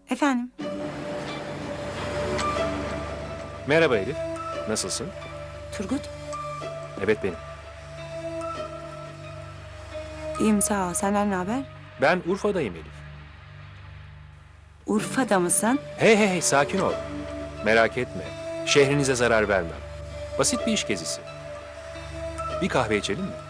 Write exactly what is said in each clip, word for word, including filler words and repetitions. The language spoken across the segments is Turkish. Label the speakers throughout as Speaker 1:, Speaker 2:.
Speaker 1: Efendim?
Speaker 2: Merhaba Elif. Nasılsın?
Speaker 1: Turgut?
Speaker 2: Evet benim.
Speaker 1: İyiyim sağ ol. Senden ne haber?
Speaker 2: Ben Urfa'dayım Elif.
Speaker 1: Urfa'da mısın?
Speaker 2: Hey hey hey sakin ol. Merak etme. Şehrinize zarar vermem. Basit bir iş gezisi. Bir kahve içelim mi?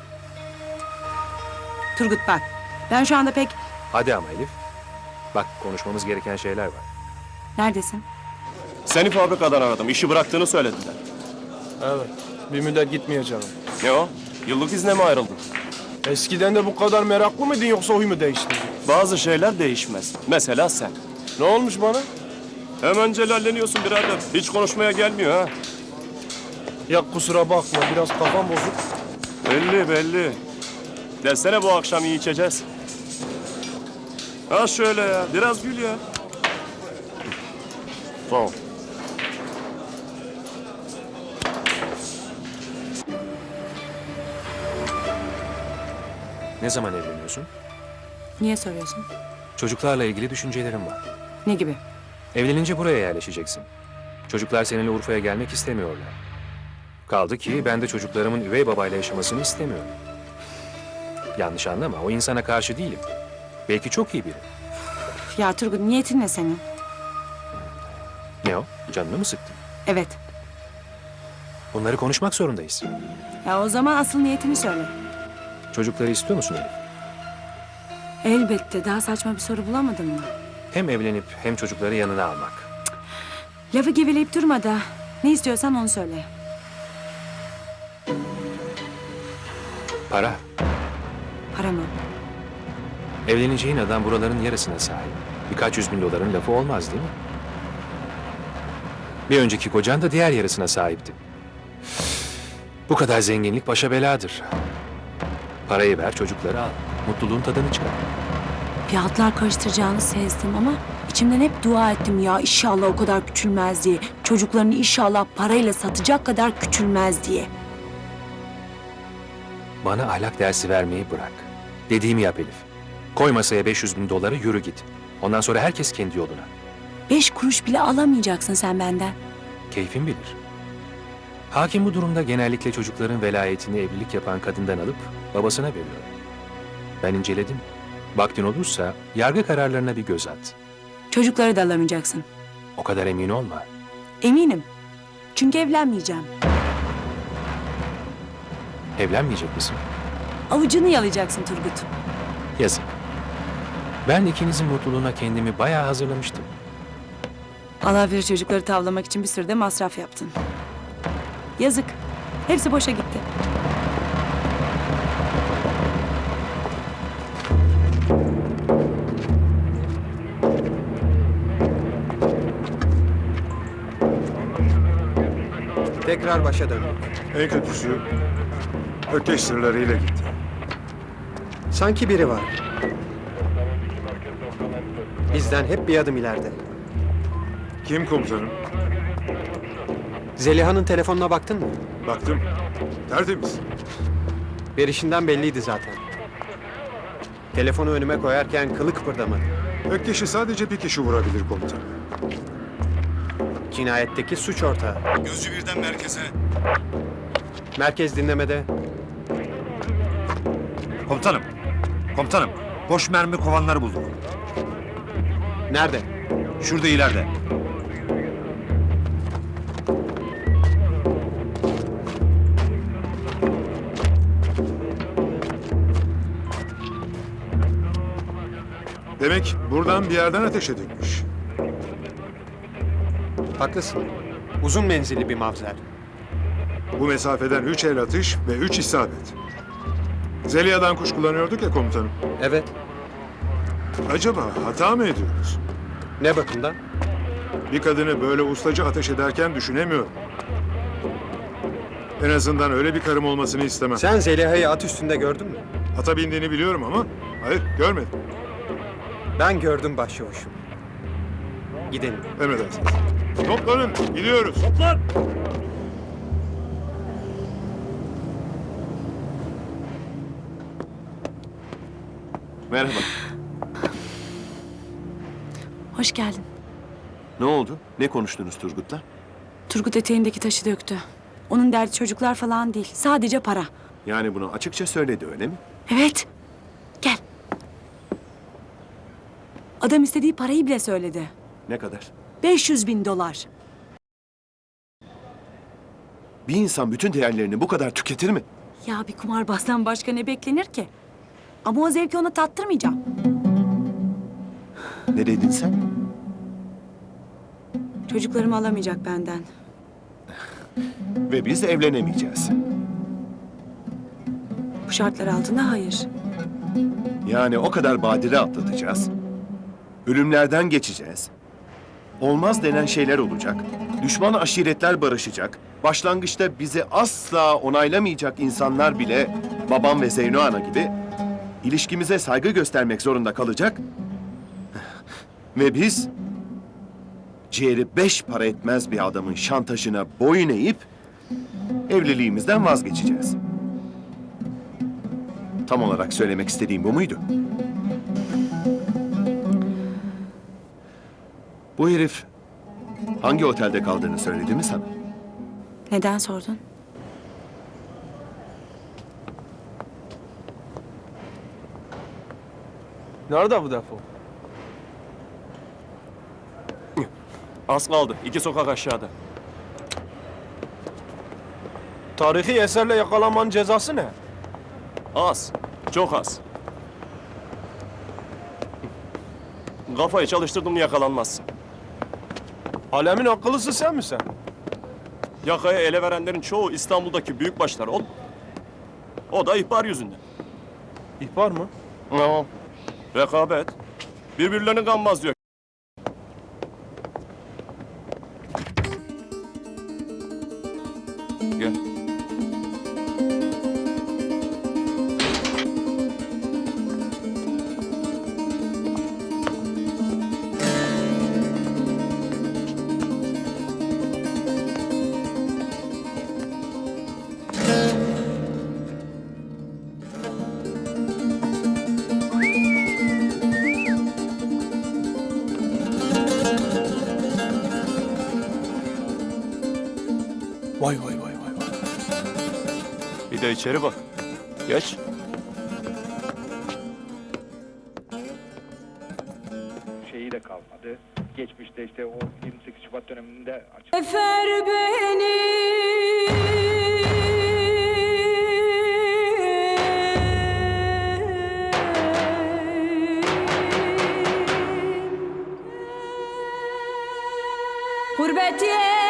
Speaker 1: Turgut bak. Ben şu anda pek...
Speaker 2: Hadi ama Elif. Bak konuşmamız gereken şeyler var.
Speaker 1: Neredesin?
Speaker 3: Seni fabrikadan aradım. İşi bıraktığını söylediler.
Speaker 4: Evet. Bir müddet gitmeyeceğim.
Speaker 3: Ne o? Yıllık izne mi ayrıldın?
Speaker 4: Eskiden de bu kadar meraklı mıydın yoksa huy mu değişti?
Speaker 3: Bazı şeyler değişmez. Mesela sen.
Speaker 4: Ne olmuş bana?
Speaker 3: Hemen celalleniyorsun birader. Hiç konuşmaya gelmiyor ha.
Speaker 4: Ya kusura bakma biraz kafam bozuk.
Speaker 3: Belli belli. Desene bu akşam iyi içeceğiz. Ha şöyle ya. Biraz gül ya. Sağ ol.
Speaker 2: Ne zaman evleniyorsun?
Speaker 1: Niye soruyorsun?
Speaker 2: Çocuklarla ilgili düşüncelerim var.
Speaker 1: Ne gibi?
Speaker 2: Evlenince buraya yerleşeceksin. Çocuklar seninle Urfa'ya gelmek istemiyorlar. Kaldı ki ben de çocuklarımın üvey babayla yaşamasını istemiyorum. Yanlış anlama, o insana karşı değilim. Belki çok iyi biri.
Speaker 1: Ya Turgut niyetin ne senin?
Speaker 2: Ne o? Canını mı sıktın?
Speaker 1: Evet.
Speaker 2: Bunları konuşmak zorundayız.
Speaker 1: Ya o zaman asıl niyetini söyle.
Speaker 2: Çocukları istiyor musun Elif?
Speaker 1: Elbette. Daha saçma bir soru bulamadın mı?
Speaker 2: Hem evlenip hem çocukları yanına almak.
Speaker 1: Lafı geveleyip durma da. Ne istiyorsan onu söyle.
Speaker 2: Para.
Speaker 1: Para mı?
Speaker 2: Evleneceğin adam buraların yarısına sahip. Birkaç yüz bin doların lafı olmaz değil mi? Bir önceki kocan da diğer yarısına sahipti. Bu kadar zenginlik başa beladır. Parayı ver, çocukları al. Mutluluğun tadını çıkar.
Speaker 1: Fiyatlar karıştıracağını sezdim ama içimden hep dua ettim ya inşallah o kadar küçülmez diye. Çocuklarını inşallah parayla satacak kadar küçülmez diye.
Speaker 2: Bana ahlak dersi vermeyi bırak. Dediğimi yap Elif. Koy masaya beş yüz bin doları, yürü git. Ondan sonra herkes kendi yoluna.
Speaker 1: Beş kuruş bile alamayacaksın sen benden.
Speaker 2: Keyfin bilir. Hakim bu durumda genellikle çocukların velayetini evlilik yapan kadından alıp babasına veriyor. Ben inceledim. Vaktin olursa yargı kararlarına bir göz at.
Speaker 1: Çocukları da alamayacaksın.
Speaker 2: O kadar emin olma.
Speaker 1: Eminim. Çünkü evlenmeyeceğim.
Speaker 2: Evlenmeyecek misin?
Speaker 1: Avucunu yalayacaksın Turgut.
Speaker 2: Yazık. Ben ikinizin mutluluğuna kendimi bayağı hazırlamıştım.
Speaker 1: Allah bilir çocukları tavlamak için bir sürü de masraf yaptın. Yazık. Hepsi boşa gitti.
Speaker 5: Tekrar başa döndük.
Speaker 6: En kötüsü ökeş sırlarıyla gitti.
Speaker 5: Sanki biri var. Bizden hep bir adım ileride.
Speaker 6: Kim komutanım?
Speaker 5: Zeliha'nın telefonuna baktın mı?
Speaker 6: Baktım. Tertemiz.
Speaker 5: Verişinden belliydi zaten. Telefonu önüme koyarken kılı kıpırdamadı.
Speaker 6: Ökkeş'i sadece bir kişi vurabilir komutanım.
Speaker 5: Cinayetteki suç ortağı.
Speaker 6: Gözcü birden merkeze.
Speaker 5: Merkez dinlemede.
Speaker 7: Komutanım, komutanım. Boş mermi kovanları bulduk.
Speaker 5: Nerede?
Speaker 7: Şurada ileride.
Speaker 6: Demek buradan bir yerden ateş edilmiş.
Speaker 5: Haklısın. Uzun menzilli bir mavzer.
Speaker 6: Bu mesafeden üç el atış ve üç isabet. Zeliha'dan kuşkulanıyorduk ya komutanım.
Speaker 5: Evet.
Speaker 6: Acaba hata mı ediyoruz?
Speaker 5: Ne bakımdan?
Speaker 6: Bir kadını böyle ustaca ateş ederken düşünemiyorum. En azından öyle bir karım olmasını istemem.
Speaker 5: Sen Zeliha'yı at üstünde gördün mü?
Speaker 6: Ata bindiğini biliyorum ama hayır görmedim.
Speaker 5: Ben gördüm başçavuşum. Gidelim.
Speaker 6: Emredersiniz. Toplanın, gidiyoruz.
Speaker 3: Merhaba.
Speaker 1: Hoş geldin.
Speaker 3: Ne oldu? Ne konuştunuz Turgut'la?
Speaker 1: Turgut eteğindeki taşı döktü. Onun derdi çocuklar falan değil. Sadece para.
Speaker 3: Yani bunu açıkça söyledi öyle mi?
Speaker 1: Evet. Gel. Adam istediği parayı bile söyledi.
Speaker 3: Ne kadar?
Speaker 1: beş yüz bin dolar.
Speaker 3: Bir insan bütün değerlerini bu kadar tüketir mi?
Speaker 1: Ya bir kumarbazdan başka ne beklenir ki? Ama o zevki ona tattırmayacağım.
Speaker 3: Ne dedin sen?
Speaker 1: Çocuklarımı alamayacak benden.
Speaker 3: Ve biz evlenemeyeceğiz.
Speaker 1: Bu şartlar altında hayır.
Speaker 3: Yani o kadar badire atlatacağız. Ölümlerden geçeceğiz. Olmaz denen şeyler olacak. Düşman aşiretler barışacak. Başlangıçta bizi asla onaylamayacak insanlar bile babam ve Zeyno Ana gibi ilişkimize saygı göstermek zorunda kalacak. Ve biz ciğeri beş para etmez bir adamın şantajına boyun eğip evliliğimizden vazgeçeceğiz. Tam olarak söylemek istediğim bu muydu? Bu herif hangi otelde kaldığını söyledi mi sana?
Speaker 1: Neden sordun?
Speaker 4: Nerede bu defo?
Speaker 3: Az kaldı. İki sokak aşağıda.
Speaker 4: Tarihi eserle yakalanmanın cezası ne?
Speaker 3: Az. Çok az. Kafayı çalıştırdım yakalanmazsın.
Speaker 4: Alemin akıllısı sen misin?
Speaker 3: Yakaya ele verenlerin çoğu İstanbul'daki büyükbaşlar. O, o da ihbar yüzünden.
Speaker 4: İhbar mı?
Speaker 3: Tamam. Rekabet. Birbirlerini kanmaz diyor. Gel.
Speaker 4: Vay vay vay vay vay.
Speaker 3: Bir de içeri bak. Geç.
Speaker 8: şeyi de kalmadı. Geçmişte işte o yirmi sekiz Şubat döneminde açık.
Speaker 1: Efer beni. Gurbet